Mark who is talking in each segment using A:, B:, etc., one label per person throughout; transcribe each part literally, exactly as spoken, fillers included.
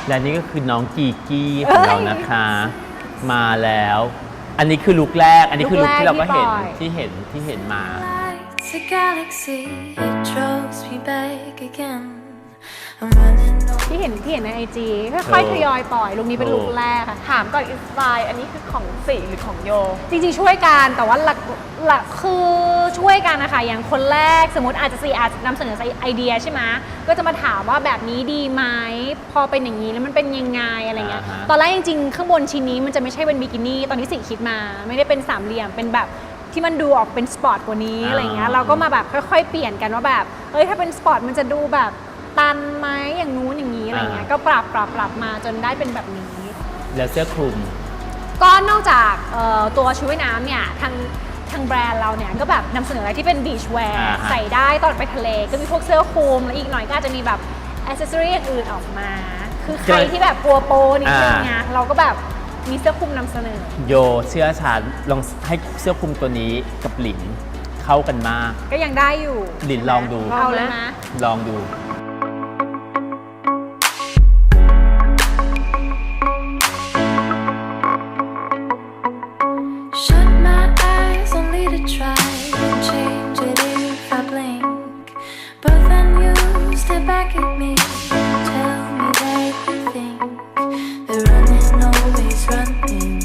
A: และนี่ก็คือน้องกีกี้ของเรานะคะ มาแล้ว อันนี้คือลุคแรก อันนี้คือลุคที่เราก็เห็นที่เห็นที่เห็นมา
B: A galaxy, it draws me back again.
C: ที่เห็นที่เห็นในไอจีค่อยๆทยอยปล่อยลุคนี้เป็นลุคแรกค่ะ
D: ถามก่อนอินสปายอันนี้คือของสีหรือของโย
C: จริงๆช่วยกันแต่ว่าหลักหลักคือช่วยกันนะคะอย่างคนแรกสมมติอาจจะสีอาจจะนำเสนอไอเดียใช่ไหมก็จะมาถามว่าแบบนี้ดีไหมพอเป็นอย่างนี้แล้วมันเป็นยังไงอะไรเงี้ย
A: อ่าฮะ
C: ตอนแรกจริงๆข้างบนชิ้นนี้มันจะไม่ใช่เป็นบิกินี่ตอนนี้สีคิดมาไม่ได้เป็นสามเหลี่ยมเป็นแบบที่มันดูออกเป็นสปอร์ตกว่านี้อะไรเงี้ยเราก็มาแบบค่อยๆเปลี่ยนกันว่าแบบเอ้ยถ้าเป็นสปอร์ตมันจะดูแบบตันไหมอย่างนู้นอย่างนี้อะไรเงี้ยก็ปรับปรับปรับมาจนได้เป็นแบบนี้
A: แล้วเสื้อคลุม
C: ก็นอกจากเอ่อตัวชุดว่ายน้ำเนี่ยทางทางแบรนด์เราเนี่ยก็แบบนำเสนออะไรที่เป็นบีชแว
A: อ่า
C: ร์
A: ฮะ
C: ใส่ได้ตอนไปทะเลก็มีพวกเสื้อคลุมแล้วอีกหน่อยก็อาจจะมีแบบอ c เซสซอรี่อื่นๆออกมา คือใครที่แบบกลัวโปนิดนึงไงเราก็แบบมีเสื้อคลุมนำเสนอ
A: โยเชื่อฉันลองให้เสื้อคลุมตัวนี้กับหลินเข้ากันมาก
C: ก็ยังได้อยู่
A: หลินลองดู
C: เอาเลยนะ
A: ลองดู
B: Shut my eyes only to try and change it if I blink. But then you step back at me, tell me that you think the running always running,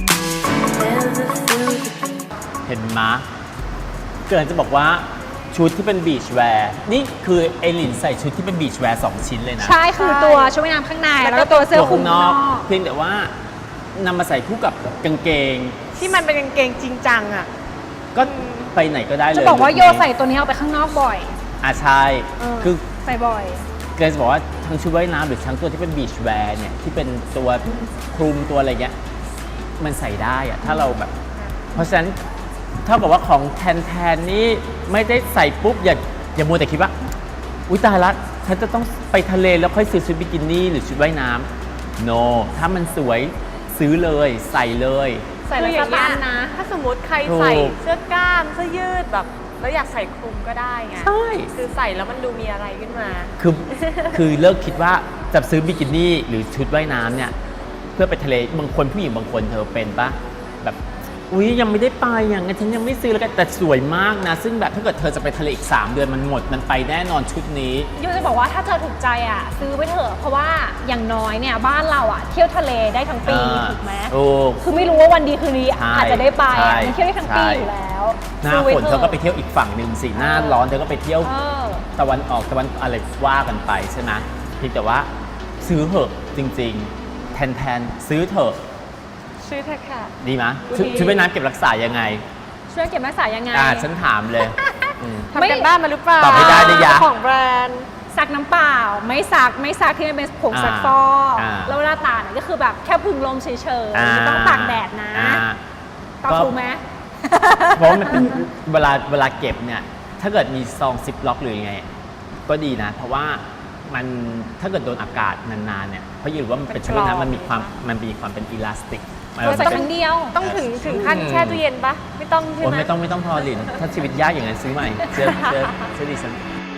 B: never feel the beat.
A: เห็นมะเกิดจะบอกว่าชุดที่เป็นบีชแวร์นี่คือไอหลินใส่ชุดที่เป็นบีชแวร์สองชิ้นเลยนะ
C: ใช่คือตัวชุดว่ายน้ำข้างในแล้วก็ตัวเสื้อคลุม
A: ข้างน
C: ข้าง
A: อก
C: นอก
A: เพียงแต่ว่านำมาใส่คู่กับกางเกง
D: ที่มันเป็นกางเกงจริงจังอ่ะ
A: ก็ไปไหนก็ได้เลย
C: จะบอกว่าโย
A: ลุคนี้
C: ใส่ตัวนี้เอาไปข้างนอกบ่อย
A: อ่ะใช่
C: เออ
A: คือ
C: ใส่บ่อย
A: เกิดจะบอกว่าทั้งชุดว่ายน้ำหรือทั้งตัวที่เป็นบีชแวร์เนี่ยที่เป็นตัวคลุมตัวอะไรเงี้ยมันใส่ได้อะถ้าเราแบบ เพราะฉะนั้นเท่ากับว่าของแทนแทนนี่ไม่ได้ใส่ปุ๊บอย่าอย่ามัวแต่คิดว่าอุ้ยตายละฉันจะต้องไปทะเลแล้วค่อยซื้อชุดบิกินี่หรือชุดว่ายน้ำ no ถ้ามันสวยซื้อเลยใส่เลย
C: ใส่
D: คื
C: แล้ว
D: ออย่าง
C: ส
D: เงี้
C: ตั
D: ย
C: นนะ
D: ถ้าสมมติใคร
A: ถูก
D: ใส่เสื้อกล้ามเสื้อยืดแบบแล้วอยากใส่คลุมก็ได้ไง
A: ใช่
D: คือใส่แล้วมันดูมีอะไรขึ้นมา
A: คือคือเลิกคิดว่าจะซื้อบิกินี่หรือชุดว่ายน้ำเนี่ยเพื่อไปทะเลบางคนผู้หญิงบางคนเธอเป็นปะแบบอุ้ยยังไม่ได้ไปอย่างงั้นฉันยังไม่ซื้อแล้วกันแต่สวยมากนะ ซึ่งแบบถ้าเกิดเธอจะไปทะเลอีกสามเดือนมันหมดมันไปแน่นอนชุดนี้
C: ยูจะบอกว่าถ้าเธอถูกใจอ่ะซื้อไปเถอะเพราะว่าอย่างน้อยเนี่ยบ้านเราอ่ะเที่ยวทะเลได้ทั้งปี
A: อ่า
C: ถูกไหม
A: ถูก
C: คือไม่รู้ว่าวันดีคืนดี
A: ใช่
C: อาจจะได้ไป
A: ใช่
C: อ่ะมันเที่ยวได้ทั้งปี
A: ใช่
C: อยู่แล้ว
A: หน้า
C: ซื้อไว้
A: ฝนเธอก็ไปเที่ยวอีกฝั่งหนึ่งสิหน้าร้อนเธอก็ไปเที่ยว
C: เออ
A: ตะวันออกตะวันอะไรว่ากันไปใช่ไหมเพียงแต่ว่าซื้อเถอะจริงๆ แทนแทนซื้อเถอะ
D: ชื่อเธอค่ะ
A: ดีไหมชุด
D: ดี
A: ชุดว่ายน้ำเก็บรักษายังไง
C: ช่วยเก็บรักษายังไง
A: อ่าฉันถามเลยอืม
D: ทำกันบ้านมาหรือเปล่า
A: ตอบไม่ได้ดิยะ
D: ของแบรนด์
C: ซักน้ำเปล่าไม่ซักไม่ซักที่มันเป็นผงซักฟอก
A: อ่า
C: แล้วเวลาตากเนี่ยก็คือแบบแค่พึ่งลมเฉย
A: อ่า
C: ๆไม่ต้องตากแดดนะ
A: อ่า
C: ตอบถูกไหม
A: เพราะมันเป็นเวลาเวลาเก็บเนี่ยถ้าเกิดมีซองซิปล็อกหรือยังไง ก็ดีนะ เพราะว่ามันถ้าเกิดโดนอากาศนานๆเนี่ยเพราะอยู่ว่ามันเป็นชุดว่ายน้ำมันมีความมันมีความเป็นอิลาสติกมัน
C: เราใส่
A: เป็น
C: ครั้งเดียว
D: ต้องถึงถึงขั้น
A: อืม
D: แช่ตู้เย็นปะไม่ต้องใช่
A: โอ้
D: ไหม
A: ไม่ต้องไม่ต้องพอลินถ้าชีวิตยากอย่างนั้นซื้อใหม่เสื้อเสื้อเสื้อดิฉัน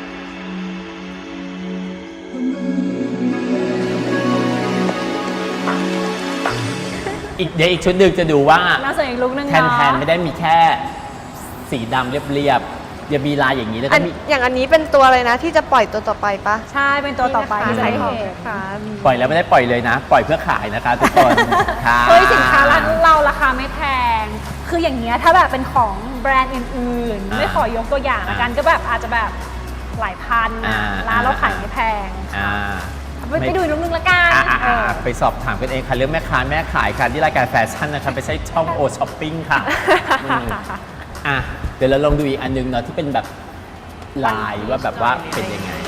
A: อีกเดี๋ยวอีกชุดหนึ่งจะดูว่า
C: เราใส่อีกลุกนึง
A: แทน
C: เนาะ
A: แทนไม่ได้มีแค่สีดำเรียบๆอย่ามีลายอย่างนี้แล้ว
D: อั
A: ก็
D: น
A: มี
D: อย่างอันนี้เป็นตัวอะไรนะที่จะปล่อยตัวต่อไปปะ
C: ใช่เป็นตัวต่อไปที่จะ
D: ใส่
C: ได้
D: ของ
C: เห็น
D: ค่ะ
A: ปล่อยแล้วไม่ได้ปล่อยเลยนะ ปล่อยเพื่อขายนะคะทุกคนค่ะ
C: เฮ้ยสินค้าร้านเราราคาไม่แพง คืออย่างเงี้ยถ้าแบบเป็นของแบรนด์อื่นๆ ไม่ขอยกตัวอย่างละกันก็แบบอาจจะแบบหลายพันนะร้านเราขายไม่แพง
A: อ่า
C: ไปไปดูอีกลุกนึงละกัน
A: อ่าอ่า
C: เอ
A: อ่า
C: อ
A: ไปสอบถามกันเองค่ะ เรื่องแม่ค้าแม่ขายค่ะที่รายการแฟชั่นนะคะไปใช้ช่องโอช้อปปิ้งค่ะอืมอ่ะเดี๋ยวเราลองดูอีกอันนึงเนาะที่เป็นแบบลายว่าแบบว่าเป็นยังไง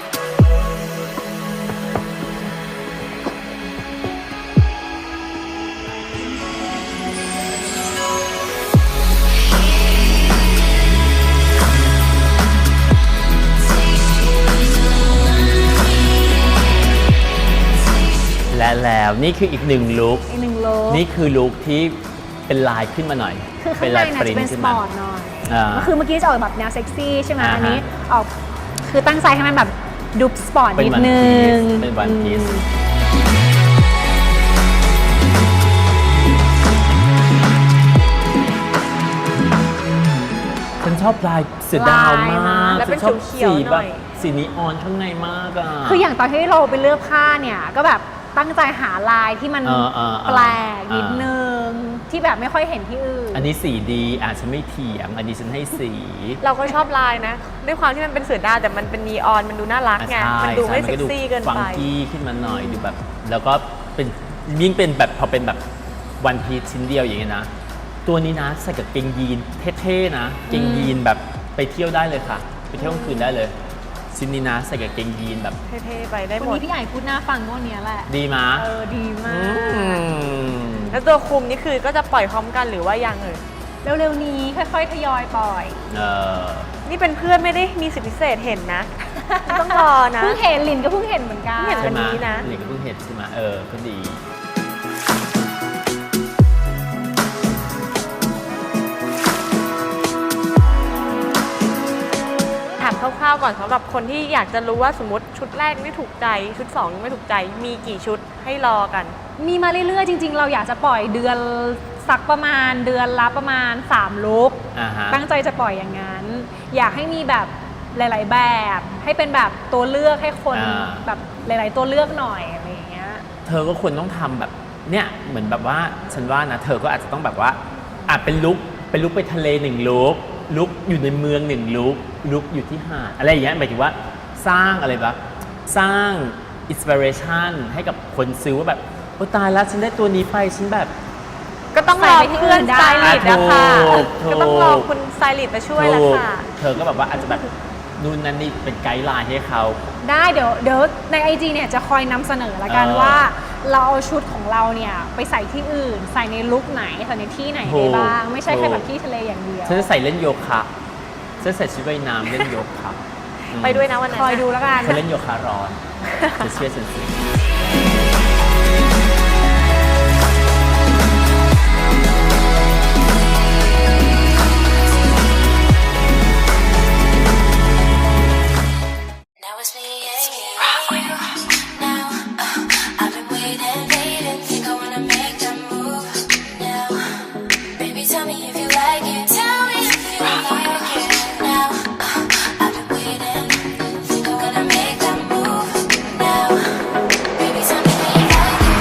A: และแล้วนี่คืออีกหนึ่งลุค
C: อีกหนึ่งลุก
A: นี่คือลุคที่เป็นลายขึ้นมาหน่อย
C: คือข้างใน
A: ลาย
C: เนี่ยจะเป็นส
A: ขึ้น
C: ป
A: มา
C: อร์ตหน่อย
A: อ่า
C: ก็คือเมื่อกี้จะออกแบบแนวเซ็กซี่ใช่ไหม
A: อ่าฮะ
C: อันนี้ออกคือตั้งใจให้มันแบบดูสปอร์ต
A: เป็น
C: นิด
A: วัน
C: นึ
A: พี
C: ง
A: ซเป็นวันพีซ
C: อืม
A: ฉันชอบลายเสือดาวมาก
C: ลายนะ
D: แล้วเป็น
A: ฉัชอบ
D: เขียวๆ
A: สี
D: ห
A: แบ
D: น่
A: บ
D: อย
A: สีนีออนข้างในมากอ่ะ
C: คืออย่างตอนที่เราไปเลือกผ้าเนี่ยก็แบบตั้งใจหาลายที่มัน
A: เออเออเออ
C: แปลกนิด
A: เออ
C: นึงที่แบบไม่ค่อยเห็นที่อื่น
A: อันนี้สีดีอ่ะฉันไม่เถียงอันนี้ฉันให้สี
D: เราก็ชอบลายนะ ด้วยความที่มันเป็นเสือดาวแต่มันเป็นนีออนมันดูน่ารักไง
A: อ่ะใช่
D: มันดูไม่
A: ใช่
D: เซ็กซี่เกิน
A: ฟัง
D: ไป
A: กี้ขึ้นมาหน่อยดูแบบ แล้วก็เป็นยิ่งเป็นแบบพอเป็นแบบวันพีชชิ้นเดียวอย่างเงี้ยนะ ตัวนี้นะใส่กับเกงยีนเท่ๆนะเกงยีนแบบไปเที่ยวได้เลยค่ะ ไปเที่ยวกลางคืนได้เลยชิ้นนี้นะใส่กับเกงยีนแบบ
D: เท่ๆไปได้
C: วัน
D: หมด
C: นี้พี่ใหญ่พูดหน้าฟังก็วันเนี้ยแหละ
A: ดีมะ
C: เออดีมา
A: อื
C: ก
A: ม
D: แล้วตัวคุมนี่คือก็จะปล่อยพร้อมกันหรือว่ายังเอ่ย
C: เร็วๆนี้ค่อยๆทยอยปล่อย
A: เออ
D: นี่เป็นเพื่อนไม่ได้มีสิทธิพิเศษเห็นนะ ต้องรอนะ
C: เพิ่งเห็นลินก็เพิ่งเห็นเหมือนกัน
D: เห็น
A: ใช่ไหม
D: วันนี้นะ
A: หลิงก็เพิ่งเห็นใช่ไหมเออก็ดี
D: ถามคร่าวๆก่อนสำหรับคนที่อยากจะรู้ว่าสมมติชุดแรกไม่ถูกใจ ชุดสองยังไม่ถูกใจ มีกี่ชุดให้รอกัน
C: มีมาเรื่อยๆ จริงๆ เราอยากจะปล่อยเดือนสักประมาณเดือนละประมาณสามลุก
A: อ่าฮะ
C: ตั้งใจจะปล่อยอย่างนั้น อยากให้มีแบบหลาย ๆ แบบ ให้เป็นแบบตัวเลือกให้คน
A: อ่า
C: แบบหลาย ๆ ตัวเลือกหน่อยอะไรอย่างเงี้ย
A: เธอก็ควรต้องทำแบบเนี่ยเหมือนแบบว่าฉันว่านะเธอก็อาจจะต้องแบบว่าอ่ะเป็นลุกเป็นลุกไปทะเลหนึ่งลุกลุกอยู่ในเมืองหนึ่งลุกลุกอยู่ที่หาดอะไรอย่างเงี้ยหมายถึงว่าสร้างอะไรแบบสร้างอินสปิเรชันให้กับคนซื้อว่าแบบโอ้ตายแล้วฉันได้ตัวนี้ไปฉันแบบ
D: ก็ต้องรอเพื่อนสไตลิสต์นะคะ
A: ถูกถูก
D: ก็ต้องรอคุณสไตลิสต์มาช่วยละค่ะ
A: เธอก็แบบว่าอาจจะแบบนู่นนั่นนี่เป็นไกด์ไลน์ให้เขา
C: ได้เดี๋ยวเดี๋ยวในไอจีเนี่ยจะคอยนำเสนอละกัน
A: เออ
C: ว่า เราเอาชุดของเราเนี่ยไปใส่ที่อื่น ใส่ในลุคไหนใส่ในที่ไหน
A: ถู
C: ได้
A: ก
C: บ้าง ไม่ใช่แค่
A: ถูก
C: แบบที่ทะเลอย่างเดียว
A: ฉันจะใส่เล่นโยคะฉันใส่ชุดว่ายน้ำเล่นโยคะอืม
D: ไปด้วยนะวันนั้น
C: คอยดูแล้วกัน
A: ฉันเล่นโยคะร้อนจะเชื่อฉันสิ
B: Now it's me and you. Now uh, I've been waiting, waiting. Think I wanna make that move now. Baby, tell me if you like it. Tell me if you like it. Now uh, I've been waiting. Think I wanna make that move now. Baby, tell me if you like it.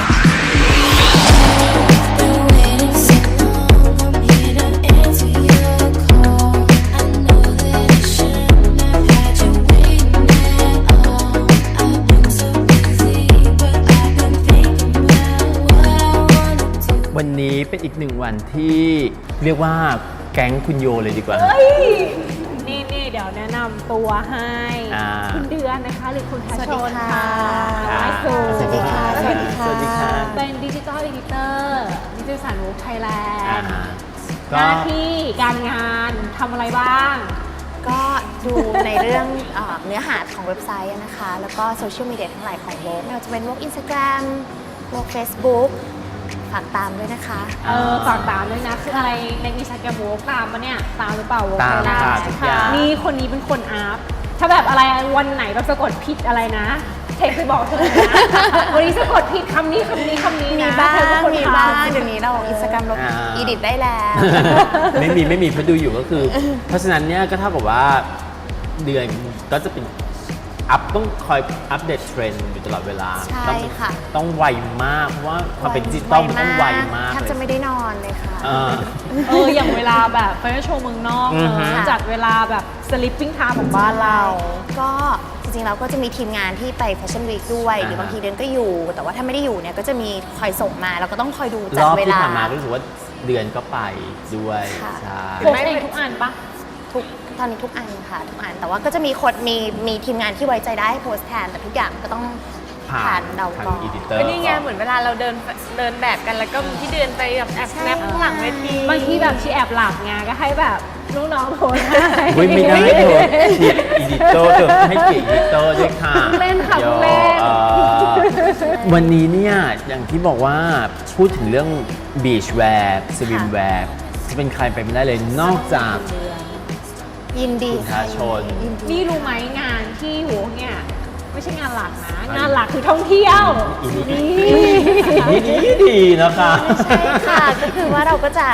B: Been waiting so long. I'm here to answer your call. I know that I shouldn't have had you waiting at all. I've been so busy, but I've been thinking about what I wanna do.
A: วันนี้เป็นอีกหนึ่งวันที่เรียกว่าแก๊งคุณโยเลยดีกว่า
C: เฮ้ยนี่นี่เดี๋ยวแนะนำตัวให้
A: อ่า
C: คุณเดือนนะคะ หรือคุณทัชชน
E: สวัสดี
C: ค่ะ
E: ค่ะ
C: ไอซู
A: สวัสดีค่ะ
C: สวัสดีค่ะ
A: สวัสดีค่ะ
C: เป็นดิจิทัล e อ i ิเตอร์นิตยสารวูฟไทยแล
A: อ่าน
C: ด์ ห
A: ก็
C: น้าที่การงานทำอะไรบ้าง
E: ก็ดูในเรื่องเอ่อเนื้อหาของเว็บไซต์นะคะ แล้วก็โซเชียลมีเดียทั้งหลายของโลกไม่ว่าจะเป็นโลกอินสตาแกรมโลกเฟซบุ๊กฝากตามด้วยนะคะ
C: เออฝากตามด้วยนะ คืออะไรในอินสตาแกรมโวกตามปะเนี่ย ตามหรือเปล่าโวก
A: ตาม
C: ไทยแล
A: ค่ะ
C: นด์
A: ทุกอย่าง
C: นี่คนนี้เป็นคนอัพ ถ้าแบบอะไรวันไหนแบบสะกดผิดอะไรนะ เทคไปบอกเธอเลยนะ วันนี้สะกดผิดคำนี้คำนี้คำนี้
E: มี
C: นะ
E: บ้าง
C: เธอเป็นคน
E: มี
C: ทำ
E: บ้างเดี๋ยวนี้เราอินสตาแกรมเรา
A: อ่า
E: อีดิทได้แล้ว
A: ไม่มีไม่มีเพราะดูอยู่ก็คือ เพราะฉะนั้นเนี่ยก็เท่ากับว่าเดือนก็จะเป็นอัพต้องคอยอัปเดตเทรนด์อยู่ตลอดเวลา
E: ใช่
A: ต้อง
E: ค่ะ
A: ต้องไวมากเพราะว่าความเป็นดิจิตอลมันต้องไวมาก
E: แทบ
A: เล
E: จะ
A: ย
E: ไม่ได้นอนเลยค่ะ
A: เออ
C: เออ อย่างเวลาแบบไปโชว์เมืองนอก
A: อือฮึ
C: เนอะจัดเวลาแบบ sleeping time ของบ้านเรา
E: ก็จริงๆเราก็จะมีทีมงานที่ไปแฟชั่นวีคด้วย หรือบางทีเดือนก็อยู่ แต่ว่าถ้าไม่ได้อยู่เนี่ยก็จะมีคอยส่งมาเราก็ต้องคอยดู
A: ร
E: จัด
A: อบ
E: เว
A: ที่
E: ลา
A: ผ่านมารู้สึกว่าเดือนก็ไปด้วย
E: ค่ะ
A: ใช่
C: โพสต์เองทุกอันปะ
E: ทุกตอนนี้ทุกอันค่ะทุกอันแต่ว่าก็จะมีคนมีมีทีมงานที่ไว้ใจได้ให้โพสต์แทนแต่ทุกอย่างก็ต้อง
A: ผ่า
E: ผ่าน นเรา
A: ทาง
E: ก่อน
A: อีดิเตอร์
D: ก็นี่ไงเหมือนเวลาเราเดินเดินแบบกันแล้วก็มีที่เดินไปแบบแอบสแนปข้างหลังเวที
C: บางทีแบบชีแอบหลับไงก็ให้แบบลูกน้องโพสต์ให้
A: เฮ้ยไม่ได้เธอเขียนอีดิเตอร์เธอให้เขียนอีดิเตอร์ด้วยค่ะ
C: เล่นค่ะ
A: โย
C: เล่น
A: เอ่อวันนี้เนี่ยอย่างที่บอกว่าพูดถึงเรื่องบีชแวร์สวิมแวร์จะเป็นใครไปไม่ได้เลยนอกจาก
E: ยินดี
A: คุณ
E: ค่ะ
A: ทาชน
E: ยินดี
C: นี่รู้ไหมงานที่โหเนี่ยไม่ใช่งานหลักนะ งานหลักคือท่องเที่ยว
A: อีนี่
C: นี่
A: อีนี่ดีดีนะคะ
E: ใช่ค่ะ ก็คือว่าเราก็จะ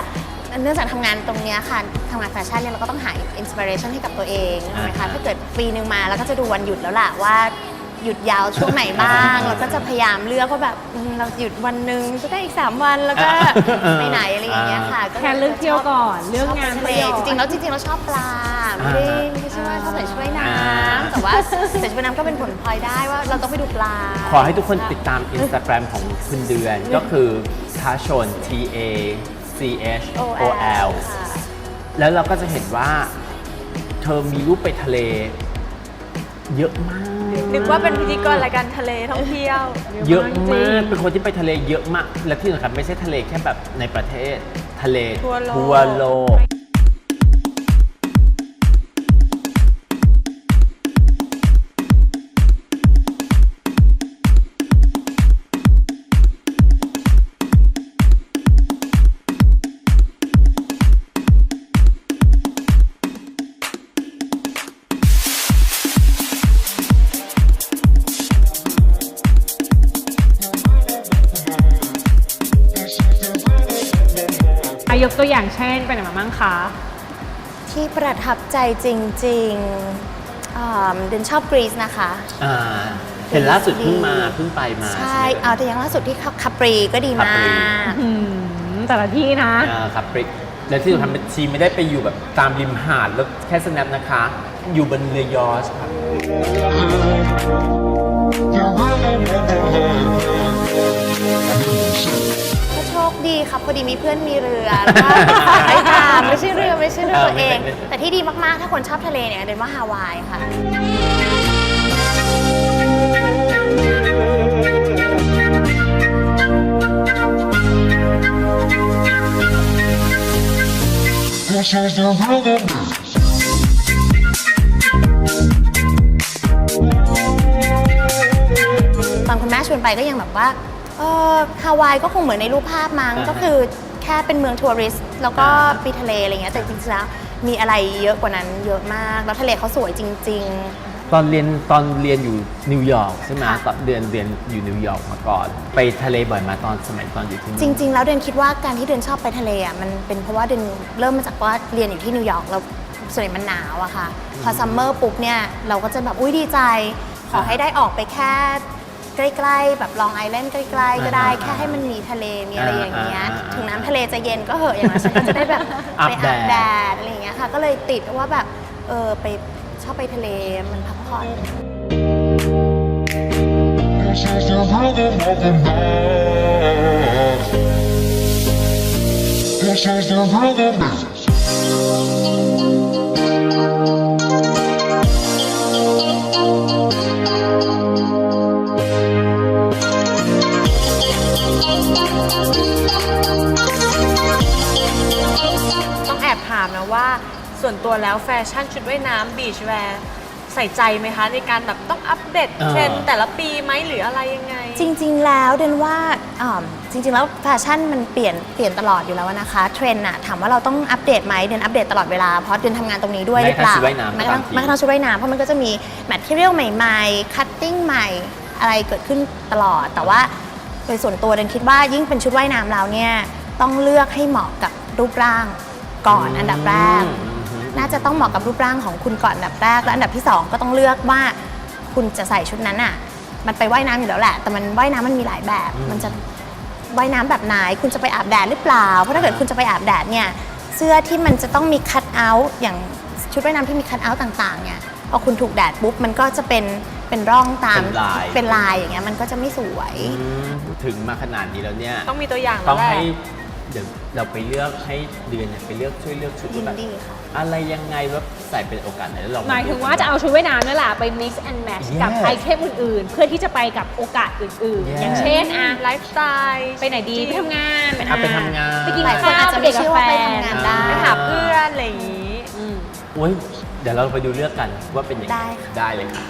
E: เนื่องจากทำงานตรงเนี้ยค่ะทำงานแฟชั่นเนี่ยเราก็ต้องหาอินสปิเรชันให้กับตัวเองใช่ไหมคะถ้าเกิดปีหนึ่งมาแล้วก็จะดูวันหยุดแล้วล่ะว่าหยุดยาวช่วงไหนบ้างเราก็จะพยายามเลือกว่าแบบอืมเราหยุดวันหนึ่งจะได้อีกสามวันแล้วก็ไปไหนอะไรอย่างเงี้ยค่ะ
C: แค่เลือกเที่ยวก่อนเลือกงาน
E: ทะ
C: ไป
E: เล
C: ก่อน
E: จริงๆแล้วจริงๆเราชอบปลาไม่ได้ไม่ใช่ว่าชอบใส่ชุดว่ายน้ำแต่ว่าใส่ชุดว่ายน้ำก็เป็นผลพลอยได้ว่าเราต้องไปดูปลา
A: ขอให้ทุกคนติดตาม Instagram ของคุณเดือนก็คือทาชน T A C H O L
E: ค่ะ
A: แล้วเราก็จะเห็นว่าเธอมีรูปไปทะเลเยอะมาก
D: นึกว่าเป็นพิธีกรรายการทะเลท่องเที่ยว
A: เยอะมาก เป็นคนที่ไปทะเลเยอะมาก และที่สำคัญไม่ใช่ทะเลแค่แบบในประเทศ ทะเล
D: ทั่วโลก
A: ทั่วโลก
C: อายกตัวอย่างเช่นไปไหนมาบ้างคะ
E: ที่ประทับใจจริงๆอ่าเดนชอบกรีซนะคะ
A: อ่า เห็นล่าสุดเพิ่งมาเพิ่งไปมา
E: ใช่
A: ไหม
E: เอาแต่อย่างล่าสุดที่คาปรีก็ดีมา
A: คาปรี
E: ก
C: อืมแต่ละที่นะ
A: อ่าครับปริกและที่สำคัญเป็นชีไม่ได้ไปอยู่แบบตามริมหาดแล้วแค่สแนปนะคะ อยู่บนเรือยอชต์ครับ
E: ก็โชคดีครับพอดีมีเพื่อนมีเรือแล้วก็ไปตามไม่ใช่เรือไม่ใช่เรือตัวเอง แต่ที่ดีมากๆ ถ้าคนชอบทะเลเนี่ยเดนว่าฮาวายค่ะ
F: This is the rhythm.
E: ตอนคุณแม่ชวนไปก็ยังแบบว่าเออฮาวายก็คงเหมือนในรูปภาพมั้ง
A: อ่าฮะ
E: ก็คือแค่เป็นเมืองทัวริสต์แล้วก็
A: อ่าฮะ
E: ปีทะเลอะไรเงี้ยแต่จริงๆแล้วมีอะไรเยอะกว่านั้นเยอะมาก แล้วทะเลเขาสวยจริง
A: ตอนเรียนตอนเรียนอยู่นิวยอร์กใช่ไหม
E: ค่ะ
A: ตอนเดือนเรียนอยู่นิวยอร์กมาก่อน ไปทะเลบ่อยมาตอนสมัยตอนอยู่ที่นู่น
E: ๆ จริง ๆ แล้วเดนคิดว่าการที่เดนชอบไปทะเลอ่ะมันเป็นเพราะว่าเดนเริ่มมาจากว่าเรียนอยู่ที่นิวยอร์กแล้วส่วนใหญ่มันหนาวอะค่ะ พอซัมเมอร์ปุ๊บเนี่ยเราก็จะแบบอุ้ยดีใจ ขอให้ได้ออกไปแค่ใกล้ๆแบบลองไอแลนด์ใกล้ๆก็ได้
A: อ่า
E: แค่ให้มันมีทะเลมีอะไรอย่างเงี้ย
A: อ่าอ่า
E: ถึงน้ำทะเลจะเย็นก็เหอะอย่างนั้นฉันก็จะได้แบบ
A: อาบ
E: ไป
A: แด
E: อา
A: ด
E: บแดดอะไรอย่างเงี้ยค่ะ ก็เลยติดว่าแบบเออไปชอบไปทะเลมันพักผ่อน
F: This is the rhythm of the night. This is the rhythm.
D: ต้องแอบถามนะว่าส่วนตัวแล้วแฟชั่นชุดว่ายน้ำบีชแวร์ใส่ใจไหมคะ ในการแบบต้องอัปเดตเทรนด์แต่ละปีไหมหรืออะไรยังไง
E: จริง ๆ แล้วเดนว่าอ่าจริง ๆ แล้วแฟชั่นมันเปลี่ยนเปลี่ยนตลอดอยู่แล้วนะคะเทรนด์อะถามว่าเราต้องอัปเดตไหมเดนอัปเดตตลอดเวลาเพราะเดนทำงานตรงนี้ด้วยหรือเปล่า
A: แม้กระทั่งชุดว่ายน้ำ
E: แม้กระทั่ง
A: บางที
E: แม้กระทั่งชุดว่ายน้ำเพราะมันก็จะมีแมทเทียลใหม่ๆคัตติ้งใหม่อะไรเกิดขึ้นตลอด แต่ว่าโดยส่วนตัวเดนคิดว่ายิ่งเป็นชุดว่ายน้ำแล้วเนี่ยต้องเลือกให้เหมาะกับรูปร่างก่อนอันดับแรก น่าจะต้องเหมาะกับรูปร่างของคุณก่อนอันดับแรกและอันดับที่สองก็ต้องเลือกว่าคุณจะใส่ชุดนั้นอ่ะมันไปว่ายน้ำอยู่แล้วแหละแต่มันว่ายน้ำมันมีหลายแบบ มันจะว่ายน้ำแบบไหนคุณจะไปอาบแดดหรือเปล่าเพราะถ้าเกิดคุณจะไปอาบแดดเนี่ยเสื้อที่มันจะต้องมีคัทเอาท์อย่างชุดว่ายน้ำที่มีคัทเอาท์ต่างๆเนี่ยพอคุณถูกแดดปุ๊บมันก็จะเป็นเป็นร่องตาม
A: เป็นลาย
E: เป็นลายอย่างเงี้ยมันก็จะไม่สวย
A: อืมถึงมาขนาดนี้แล้วเนี่ย
D: ต้องมีตัวอย่าง
A: ต้
D: แล้
A: อง
D: วแหละ
A: ให้เดี๋ยวเราไปเลือกให้เดือนเนี่ยไปเลือกช่วยเลือกชุด
E: ยิน
A: แบบ
E: ดีค่ะ
A: อะไรยังไงว่าใส่เป็นโอกาสไหนแล้วลอง
C: หมายถึงว่าจะเอาชุดว่ายน้ำนั่นแหละไป mix and match
A: Yes
C: กับไอเทมอื่นๆ เพื่อที่จะไปกับโอกาสอื่น
A: Yes
C: ๆ อย่างเช่นอะ
D: ไลฟ์สไตล์
C: ไปไหนดีไปทำงาน
A: อ่ะไปทำงาน
C: ไปกิน
E: หลายคน
C: ข้าว
E: อาจจะ
C: ไป
E: ไม่
C: เด็ก
E: เชื่
C: กา
E: อ
C: แฟ
E: ว่าไปทำงานได้
D: ไปหาเพื่อนอะไรอย่างนี้
C: อืม
A: โอ้ยเดี๋ยวเราไปดูเลือกกันว่าเป็นยังไง
E: ได้ค่ะ
A: ได้เลยค่ะ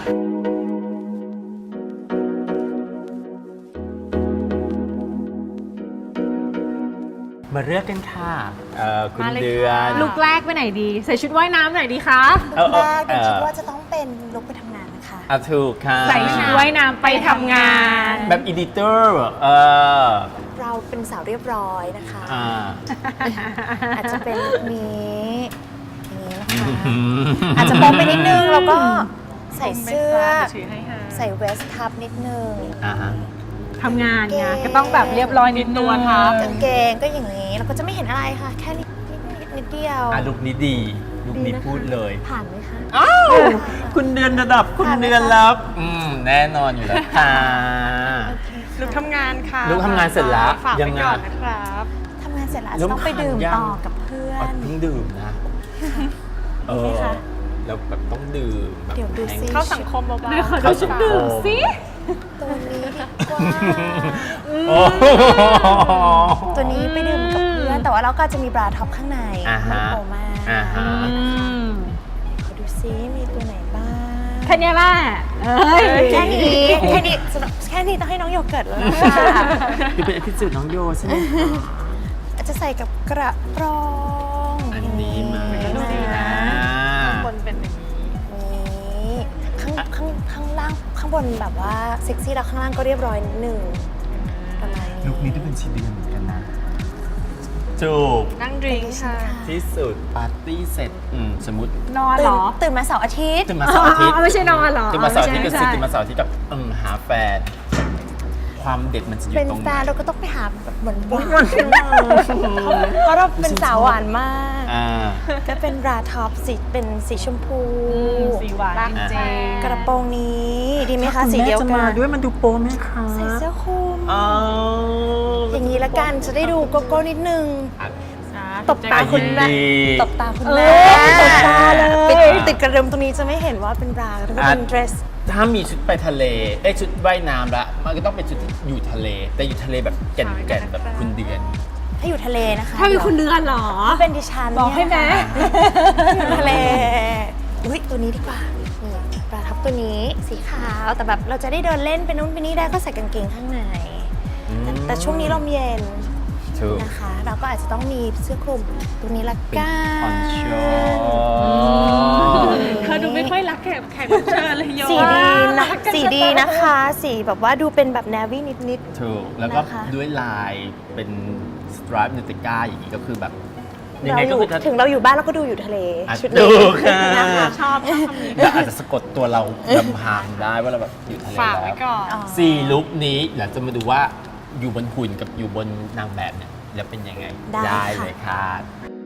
A: มาเลือกกันค่ะเอ่อคุณ
D: มาเลย
A: เดือน
D: ค่ะ
C: ลุกแรกไปไหนดี ใส่ชุดว่ายน้ำไหนดีคะ
A: เออเออ
E: แรกเดนคิด
A: เออ
E: ว่าจะต้องเป็นลุกไปทำงานนะคะ
A: อ่ะถูกค่ะ
C: ใส่ชุดว่ายน้ำไปทำงาน
A: แบบอีดิเตอร์เออ
E: เราเป็นสาวเรียบร้อยนะคะ
A: อ่า
E: อาจจะเป็นแบบนี้อย่างนี้นะคะอาจจะโป๊ไปนิดนึงแล้วก็ใส่เสื้อ ใส่เวสต์ทับนิดนึง
A: อ่าฮะ
C: ทำงานไงก็ต้องแบบเรียบร้อยนิดนึง
E: กางเกงก็อย่างนี้เราก็จะไม่เห็นอะไรค่ะ แค่นิดนิดนิดนิดเดียว
A: อ่ะลุกนี้ดีลุกนี้
E: ดีนะคะ
A: พูดเลย
E: ผ่านไหมคะ
A: อ้าว คุณเดือนระดับคุณ
E: ผ่านไหมคะ
A: เดือนรับอืมแน่นอนอยู่แล้วค่ะ
D: ลุกทำงานค่ะ
A: ลุกทำงานเสร็จแล้ว
D: ฝาก
A: ยั
D: ไป
A: งไง
D: ก่อนนะครับ
E: ทำงานเสร็จแล้วอาจ
A: แล้
E: จะ
A: ว
E: ต้องไปดื่ม
A: ผ่านยัง
E: ต่อกับเพื่อ
A: อ๋อน เพิ่งดื่มนะ เออ
E: ไหมคะ
A: แล้วแบบต้องดื่มแบบ
E: เดี๋ยวดูสิ
A: แห้ง
D: เข้าสังคมเบา
C: เดี๋ยวขอ
A: เข้า
C: ดู
A: สั
C: ชุ
A: ง
C: ด
A: คม
C: ดื่มสิ
E: ตัวนี้ดีกว่า
A: โอ้โห
E: ตัวนี้ไปดื่มกับเพื่อน แต่ว่าเราก็จะมีบราท็อปข้างใน
A: อ่าฮะ
E: ไม่โปมาก
A: อ่าฮะ
C: อืม
E: ขอดูซิมีตัวไหนบ้าง
C: แค่เนี้ยแหละเอ้ย
E: แค่นี้แค่นี้สำหรับแค่นี้ต้องให้น้องโยเกิร์ตแล้วนะคะ
A: คือเป็นอภิสิทธิ์น้องโยใช่ไหมคะ
E: อาจจะใส่กับกระโปรง
A: อันนี้มา
E: อย่างนี้นะ
D: ๆคนเป็นอย่างนี้
E: นี่ข้างข้างข้างล่างข้างบนแบบว่าเซ็กซี่แล้วข้างล่างก็เรียบร้อยนิดหนึ่งประมาณนี้
A: ลุคนี้ต้องเป็นชีเดือนเหมือนกันนะจูบ
D: นั่งดริงก์ค่ะ
A: ที่สุดปาร์ตี้เสร็จอืมสมมติ
C: นอน
E: ตื่
C: เหร
E: น
C: อ
E: ตื่นมาเสาร์อาทิตย์
A: ตื่นมาเสาร์อาทิตย์
C: อ๋อไม่ใช่นอนเหรอ
A: ตื่นมาเสาร์อาทิตย์ก็
C: ไม่
A: สิ
C: ใช่
A: ตื่นมาเสาร์อาทิตย์กับอืมหาแฟน ความเด็ดมันจะอยู่
E: เป็น
A: ตรงไห
E: แฟ
A: น
E: นเราก็ต้องไปหาแบบหวานหวานเพราะเราเป็นสาวหวานมาก
A: อ่า
E: ก็เป็นบราท็อปสีเป็นสีชมพู
C: สีหวานจริงๆ
E: กระโปรงนี้ดีไหมคะสีเดียวกัน
A: ด้วยมันดูโป๊ไหมคะ
E: ใส่เสื้อคลุม
A: อ๋อ
E: อย่างนี้ละกันจะได้ดูโกโก้นิดนึง
A: อ่ะ
E: ตบตาคุณแม่
A: ยินดี
E: ตบตาคุณ
C: เอ
E: แม่
C: อตบตาเลย
E: ติดติดกระเริมตรงนี้จะไม่เห็นว่าเป็นบราแล้วก็เป็นเดรส
A: ถ้ามีชุดไปทะเลเอ้ยชุดว่ายน้ำละมันก็ต้องเป็นชุดที่อยู่ทะเล แต่อยู่ทะเลแบบแก่นๆแบบคุณเดือน
E: ถ้าอยู่ทะเลนะคะ
C: ถ้ามีคุณเดือนเหรอ
E: ถ้าเป็นดิฉัน
C: บอกให้ไหม
E: อยู่ทะเลอุ้ยตัวนี้ดีกว่านี่ปลาทับตัวนี้สีขาวแต่แบบเราจะได้เดินเล่นไปนู้นไปนี่ได้ก็ใส่กางเกงข้างในแต่แต่ช่วงนี้ลมเย็น
A: ถูก
E: นะคะ เราก็อาจจะต้องมีเสื้อคลุมตัวนี้ละ
A: เป็น
E: กั
A: คอน
E: น
A: โช
C: เธอดูไม่ค่อยรักแขกแขกรับเชิญเลยโย
E: สีดีนะสีดีนะคะ สีแบบว่าดูเป็นแบบแนวี่นิด
A: ถูกแล้วก็
E: นะคะ
A: ด้วยลายเป็นสตรัปนูติก้าอย่างนี้ก็คือแบบ
E: ๆ
A: ยัง
E: เรา
A: ไง
E: อ
A: ก็
E: ยู่
A: คือถ้า
E: ถึงเราอยู่บ้านเราก็ดูอยู่ทะเล
A: อ่ะ
E: ชุด
A: ถู
E: นี้
A: กค่ะ
E: นะคะ
C: ชอบชอบคำนี้
A: แล้วอาจจะสะกดตัวเราลำพางได้ว่าเราแบบอยู่ทะเล
D: ฝากไว้
A: แล้ว
D: ก่อน
E: อ๋อ
A: สี่ลุคนี้เดี๋ยวจะมาดูว่าอยู่บนหุ่นกับอยู่บนนางแบบเนี่ยแล้วเป็นยังไง
E: ได้ค่ะ
A: เลยค่ะ